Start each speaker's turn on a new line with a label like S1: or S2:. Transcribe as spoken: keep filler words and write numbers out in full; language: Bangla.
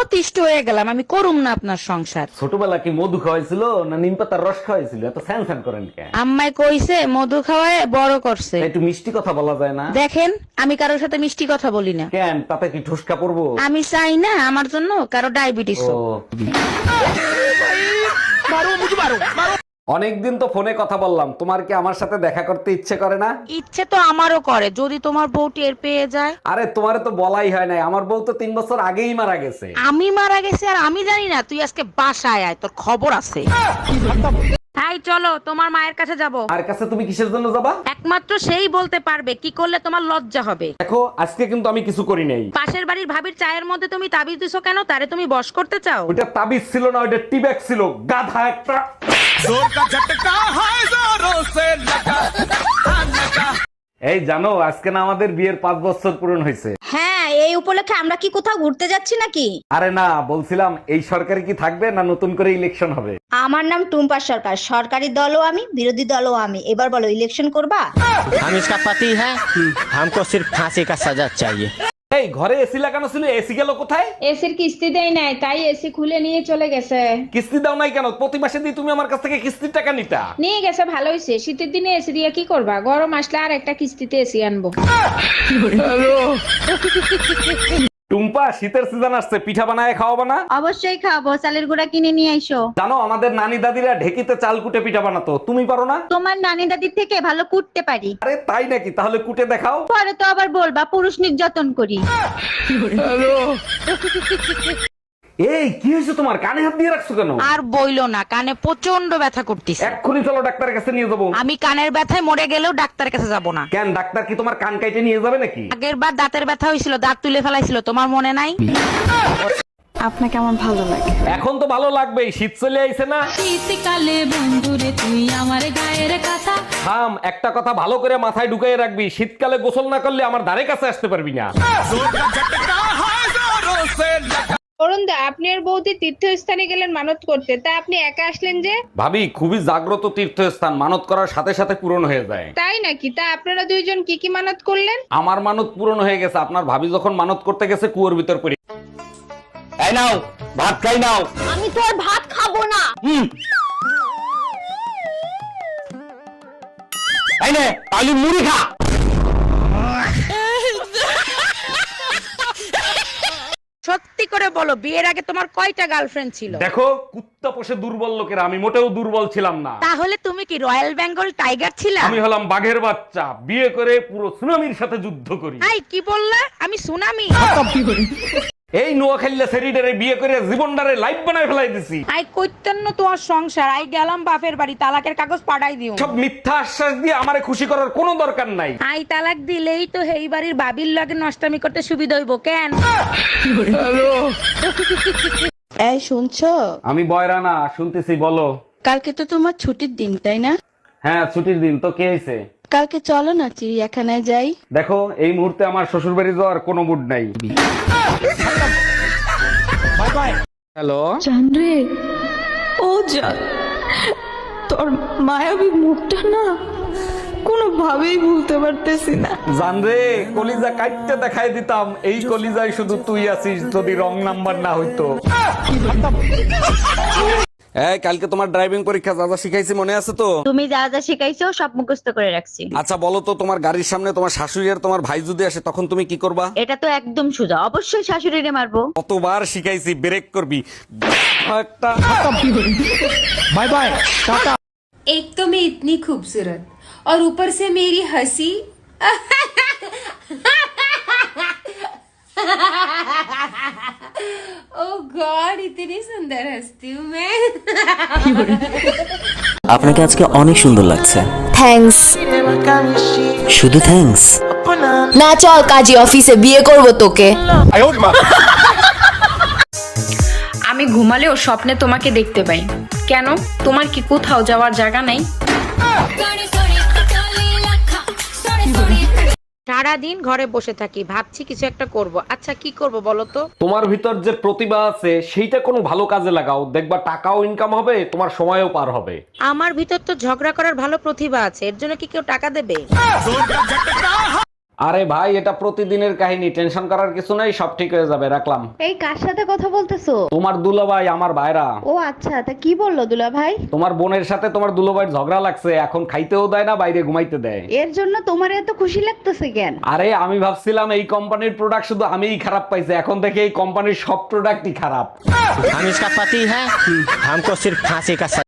S1: অতিষ্ঠ হয়ে গেলাম, আমি করুম না আপনার সংসার।
S2: ছোটবেলা কি মধু খাওয়াইছিল না নিম পাতার রস খাওয়াইছিল? এত স্যান স্যান করেন কেন?
S1: আম্মাই কইছে মধু খাওয়ায় বড় করছে।
S2: একটু মিষ্টি কথা বলা যায় না?
S1: দেখেন, আমি কারোর সাথে মিষ্টি কথা বলি না।
S2: কেন, তাতে কি ঠুসকা পড়বো?
S1: আমি চাই না আমার জন্য কারো ডায়াবেটিস
S2: ও,
S1: হোক।
S2: অনেকদিন তো ফোনে কথা বললাম, তোমার কি আমার সাথে দেখা করতে ইচ্ছে করে না?
S1: ইচ্ছে তো আমারও করে, যদি তোমার বউ টের পেয়ে যায়।
S2: আরে তোমারে তো বলাই হয় নাই, আমার বউ তো তিন বছর আগেই মারা গেছে।
S1: আমি মারা গেছি আর আমি জানি না? তুই আজকে বাসায় আয়, তোর খবর আছে। তাই চলো, তোমার মায়ের কাছে যাব।
S2: আর কাছে তুমি কিসের জন্য যাবা?
S1: একমাত্র সেই বলতে পারবে কি করলে তোমার লজ্জা হবে।
S2: দেখো, আজকে কিন্তু আমি কিছু করি নাই।
S1: পাশের বাড়ির ভাবির চায়ের মধ্যে তুমি তাবিজ দিছো কেন? তারে তুমি বশ করতে চাও?
S2: ওইটা তাবিজ ছিল না, ওইটা টিব্যাগ ছিল, গাধা একটা। এই জানো, আজকে না আমাদের বিয়ের পাঁচ বছর পূরণ হয়েছে।
S3: হ্যাঁ, এই উপলক্ষে আমরা কি কোথাও ঘুরতে যাচ্ছি নাকি?
S2: আরে না, বলছিলাম এই সরকারি কি থাকবে না নতুন করে ইলেকশন হবে?
S3: আমার নাম টুম্পা সরকার, সরকারি দলও আমি, বিরোধী দলও আমি। এবার বলো, ইলেকশন করবা?
S4: हम इसका पति है, हमको सिर्फ फांसी का सजा चाहिए।
S2: এই ঘরে এসি লাগানো ছিল, এসি গেল কোথায়?
S5: এসির কিস্তি দেয় নাই, তাই এসি খুলে নিয়ে চলে গেছে।
S2: কিস্তি দাও নাই কেন? প্রতি মাসে দিয়ে তুমি আমার কাছ থেকে কিস্তির টাকা নিতা।
S5: নিয়ে গেছে, ভালো হয়েছে। শীতের দিনে এসি দিয়ে কি করবা? গরম আসলে আর একটা কিস্তিতে এসি আনবো।
S2: টুম্পা, শীতের সিজন আসছে, পিঠা বানায় খাওয়াবা না?
S3: অবশ্যই খাবো, চালের গুঁড়া কিনে নিয়ে আইসো।
S2: জানো, আমাদের নানি দাদিরা ঢেকিতে চাল কুটে পিঠা বানাতো, তুমি পারো না?
S3: তোমার নানি দাদির থেকে ভালো কুটতে পারি।
S2: আরে তাই নাকি? তাহলে কুটে দেখাও।
S3: পরে তো আবার বলবা পুরুষ নির্যাতন করি।
S2: এই কি হয়েছে তোমার? কানে হাত দিয়ে রাখছো কেন?
S1: আর বইলো না, কানে প্রচন্ড ব্যথা করতেছে।
S2: এক্ষুনি চলো ডাক্তারের কাছে নিয়ে যাবো।
S1: আমি কানের ব্যথায় মরে গেলেও ডাক্তারের কাছে যাব না।
S2: কেন, ডাক্তার কি তোমার কান কাইটে নিয়ে যাবে নাকি?
S1: আগের বার দাঁতের ব্যথা হয়েছিল, দাঁত তুলে ফেলাইছিল, তোমার মনে নাই?
S6: আপনাকে আমার ভালো লাগে।
S2: এখন তো ভালো লাগবেই, শীত চলে আইছে না?
S7: শীতকালে বন্ধুরে তুই আমার গায়ের কথা।
S2: থাম, একটা কথা ভালো করে মাথায় ঢুকাই রাখবি, শীতকালে গোসল না করলে আমার ধারে কাছে আসতে পারবি না।
S5: অরুণদা, আপনি আর বৌদি তীর্থস্থানে গেলেন মানত করতে, তা আপনি একা আসলেন যে?
S2: ভাবি, খুবই জাগ্রত তীর্থস্থান, মানত করার সাথে সাথে পূরণ হয়ে যায়।
S5: তাই নাকি? তা আপনারা দুইজন কি কি মানত করলেন?
S2: আমার মানত পূরণ হয়ে গেছে, আপনার ভাবি যখন মানত করতে গেছে কুয়োর ভিতর পড়ে। এই নাও, ভাত খাই নাও।
S3: আমি তো আর ভাত খাবো না।
S2: হুম। এই নে, আলু মুড়ি খা।
S1: সত্যি করে বলো, বিয়ের আগে তোমার কয়টা গার্লফ্রেন্ড ছিল?
S2: দেখো, কুত্তা পোষে দুর্বল লোকেরা, আমি মোটেও দুর্বল ছিলাম না।
S1: তাহলে তুমি কি রয়্যাল বেঙ্গল টাইগার ছিলা?
S2: আমি হলাম বাঘের বাচ্চা, বিয়ে করে পুরো সুনামির সাথে যুদ্ধ করি।
S1: আই কি বললা? আমি সুনামি?
S2: এই নোয়াখালীলা সেরিডারে বিয়ে করে জীবনটারে লাইফ বানায় ফেলাই দিছি।
S1: আই কইতেন না তোমার সংসার, আই গেলাম বাপের বাড়ি, তালাকের কাগজ পাঠাই দিও।
S2: সব মিথ্যা আশ্বাস দিয়ে আমারে খুশি করার কোনো দরকার নাই।
S1: আই তালাক দিলেই তো হেই বাড়ির বাবির লগে নষ্টামি করতে সুবিধা হইব কেন?
S6: এই শুনছো?
S2: আমি বয়রা না, শুনতেছি, বলো।
S6: কালকে তো তোমার ছুটির দিন, তাই না?
S2: হ্যাঁ, ছুটির দিন তো, কে হয়েছে?
S6: কালকে চলো না চিড়িয়াখানায় যাই।
S2: দেখো, এই মুহূর্তে আমার শ্বশুর বাড়ি যাওয়ার কোনো মুড নাই। হ্যালো,
S6: জানরে, ও জান, তোর মায়াবী মুখটা না কোনোভাবেই ভুলতে পারতেছি না।
S2: জানরে, কলিজা কাটতে দেখাই দিতাম, এই কলিজায় শুধু তুই আছিস, যদি রং নাম্বার না হইতো। এই, কালকে তোমার ড্রাইভিং পরীক্ষা, যা যা শিখাইছি মনে আছে তো?
S3: তুমি যা যা শিখাইছো সব মুখস্থ করে রাখছি।
S2: আচ্ছা বলো তো, তোমার গাড়ির সামনে তোমার শাশুড়ি আর তোমার ভাই যদি আসে, তখন তুমি কি করবা?
S3: এটা তো একদম সোজা, অবশ্যই শাশুড়িরে মারবো।
S2: কতবার শিখাইছি, ব্রেক করবি একটা।
S4: Bye bye, tata.
S7: एक तो मैं इतनी खूबसूरत और ऊपर से मेरी हंसी। ओह गॉड, इतनी सुंदर हंसती हूँ मैं।
S8: আপনাকে আজকে অনেক সুন্দর লাগছে।
S9: থ্যাঙ্কস।
S8: শুধু থ্যাঙ্কস?
S9: না, চল কাজী অফিসে, বিয়ে করব তোকে।
S5: আমি ঘুমালেও স্বপ্নে তোমাকে দেখতে পাই। কেন, তোমার কি কোথাও যাওয়ার জায়গা নাই?
S1: সারাদিন ঘরে বসে থাকি, ভাবছি কিছু একটা করব। আচ্ছা কি করব বলো তো?
S2: তোমার ভিতর যে প্রতিভা আছে সেইটা কোনো ভালো কাজে লাগাও, দেখবা টাকাও ইনকাম হবে, তোমার সময়ও পার হবে।
S1: আমার ভিতর তো ঝগড়া করার ভালো প্রতিভা আছে, এর জন্য কি কেউ টাকা দেবে?
S2: আরে ভাই এটা প্রতিদিনের কাহিনী, টেনশন করার কিছু নাই, সব ঠিক হয়ে যাবে, রাখলাম।
S3: এই কার সাথে কথা বলতেছো?
S2: তোমার দুলাভাই, আমার ভাইরা।
S3: ও আচ্ছা, তা কি বললো দুলা ভাই?
S2: তোমার বোনের সাথে তোমার দুলাভাইয়ের ঝগড়া লাগছে, এখন খাইতেও দেয় না, বাইরে ঘুমাইতে দেয়।
S3: এর জন্য তোমার এত খুশি লাগতেছে কেন?
S2: আরে আমি ভাবছিলাম এই কোম্পানির প্রোডাক্ট শুধু আমিই খারাপ পাইছি, এখন দেখি এই কোম্পানির সব প্রোডাক্টই খারাপ।
S4: हम इसका पति है हमको सिर्फ फांसी का